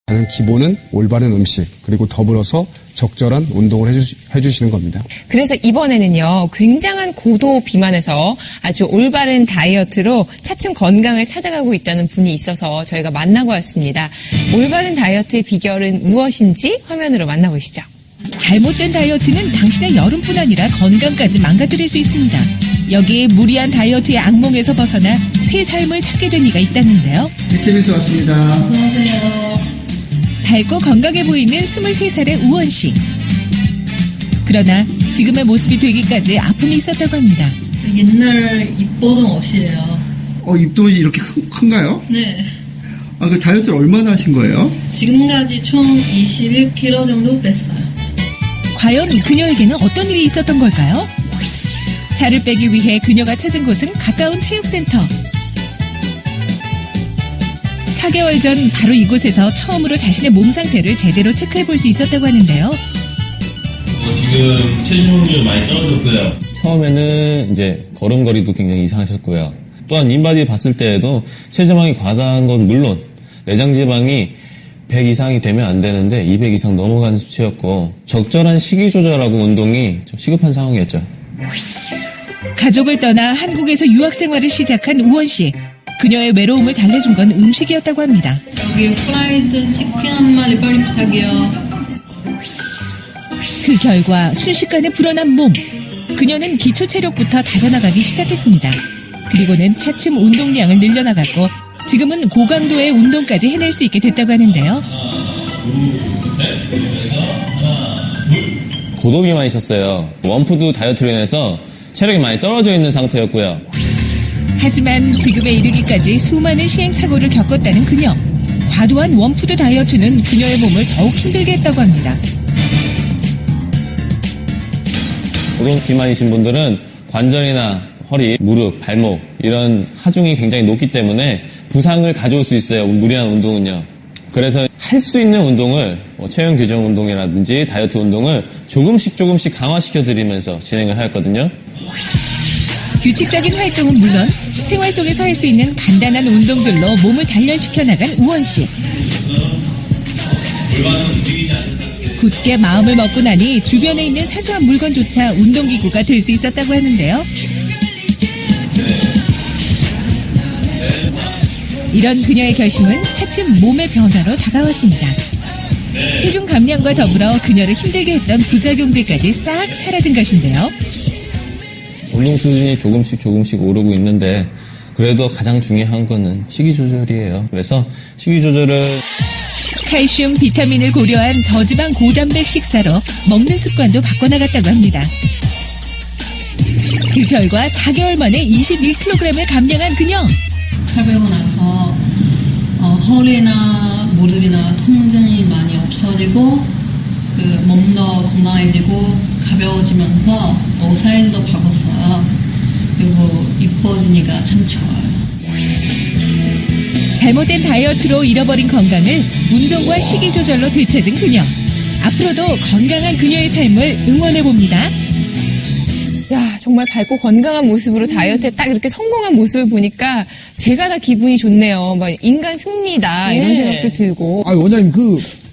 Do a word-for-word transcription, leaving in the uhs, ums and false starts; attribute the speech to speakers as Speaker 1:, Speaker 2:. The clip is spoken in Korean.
Speaker 1: 가장 기본은 올바른 음식, 그리고 더불어서 적절한 운동을 해주, 해주시는 겁니다.
Speaker 2: 그래서 이번에는요, 굉장한 고도 비만에서 아주 올바른 다이어트로 차츰 건강을 찾아가고 있다는 분이 있어서 저희가 만나고 왔습니다. 올바른 다이어트의 비결은 무엇인지 화면으로 만나보시죠.
Speaker 3: 잘못된 다이어트는 당신의 여름뿐 아니라 건강까지 망가뜨릴 수 있습니다. 여기에 무리한 다이어트의 악몽에서 벗어나 새 삶을 찾게 된 이가 있다는데요.
Speaker 4: 케이비에스 왔습니다.
Speaker 3: 안녕하세요. 밝고 건강해 보이는 스물세 살의 우원 씨. 그러나 지금의 모습이 되기까지 아픔이 있었다고 합니다.
Speaker 5: 옛날 입버릇 없이래요.
Speaker 4: 어, 입도 이렇게 큰, 큰가요?
Speaker 5: 네.
Speaker 4: 아, 그 다이어트를 얼마나 하신 거예요?
Speaker 5: 지금까지 총 이십일 킬로그램 정도 뺐어요.
Speaker 3: 과연 그녀에게는 어떤 일이 있었던 걸까요? 살을 빼기 위해 그녀가 찾은 곳은 가까운 체육센터. 사 개월 전 바로 이곳에서 처음으로 자신의 몸 상태를 제대로 체크해 볼 수 있었다고 하는데요.
Speaker 6: 어, 지금 체중이 많이 떨어졌어요.
Speaker 7: 처음에는 이제 걸음걸이도 굉장히 이상하셨고요. 또한 인바디 봤을 때에도 체지방이 과다한 건 물론 내장 지방이 백 이상이 되면 안 되는데 이백 이상 넘어가는 수치였고 적절한 식이 조절하고 운동이 시급한 상황이었죠.
Speaker 3: 가족을 떠나 한국에서 유학 생활을 시작한 우원 씨. 그녀의 외로움을 달래준 건 음식이었다고 합니다.
Speaker 5: 여기 프라이드 치킨 한 마리 빨리 부탁해요.
Speaker 3: 그 결과 순식간에 불어난 몸. 그녀는 기초 체력부터 다져나가기 시작했습니다. 그리고는 차츰 운동량을 늘려나갔고 지금은 고강도의 운동까지 해낼 수 있게 됐다고 하는데요.
Speaker 7: 고도 비만이셨어요. 원푸드 다이어트로 인해서 체력이 많이 떨어져 있는 상태였고요.
Speaker 3: 하지만 지금에 이르기까지 수많은 시행착오를 겪었다는 그녀. 과도한 원푸드 다이어트는 그녀의 몸을 더욱 힘들게 했다고 합니다.
Speaker 7: 고도 비만이신 분들은 관절이나 허리, 무릎, 발목 이런 하중이 굉장히 높기 때문에 부상을 가져올 수 있어요. 무리한 운동은요. 그래서 할 수 있는 운동을 뭐 체형 교정 운동이라든지 다이어트 운동을 조금씩 조금씩 강화시켜 드리면서 진행을 하였거든요.
Speaker 3: 규칙적인 활동은 물론 생활 속에서 할 수 있는 간단한 운동들로 몸을 단련시켜 나간 우원 씨. 굳게 마음을 먹고 나니 주변에 있는 사소한 물건조차 운동기구가 될 수 있었다고 하는데요. 이런 그녀의 결심은 차츰 몸의 변화로 다가왔습니다. 체중 감량과 더불어 그녀를 힘들게 했던 부작용들까지 싹 사라진 것인데요.
Speaker 7: 운동 수준이 조금씩 조금씩 오르고 있는데 그래도 가장 중요한 거는 식이 조절이에요. 그래서 식이 조절을
Speaker 3: 칼슘, 비타민을 고려한 저지방 고단백 식사로 먹는 습관도 바꿔나갔다고 합니다. 그 결과 사 개월 만에 이십일 킬로그램을 감량한 그녀.
Speaker 5: 살 빼고 나서 어, 허리나 무릎이나 통증이 많이 없어지고 그 몸도 건강해지고 가벼워지면서 옷 사이즈도 바꿨어요. 그리고 이뻐지니까 참 좋아요.
Speaker 3: 잘못된 다이어트로 잃어버린 건강을 운동과 식이 조절로 되찾은 그녀. 앞으로도 건강한 그녀의 삶을 응원해봅니다.
Speaker 2: 야, 정말 밝고 건강한 모습으로 다이어트에 딱 이렇게 성공한 모습을 보니까 제가 다 기분이 좋네요. 막 인간 승리다 이런
Speaker 8: 네.
Speaker 2: 생각도 들고.
Speaker 8: 아, 원장님 그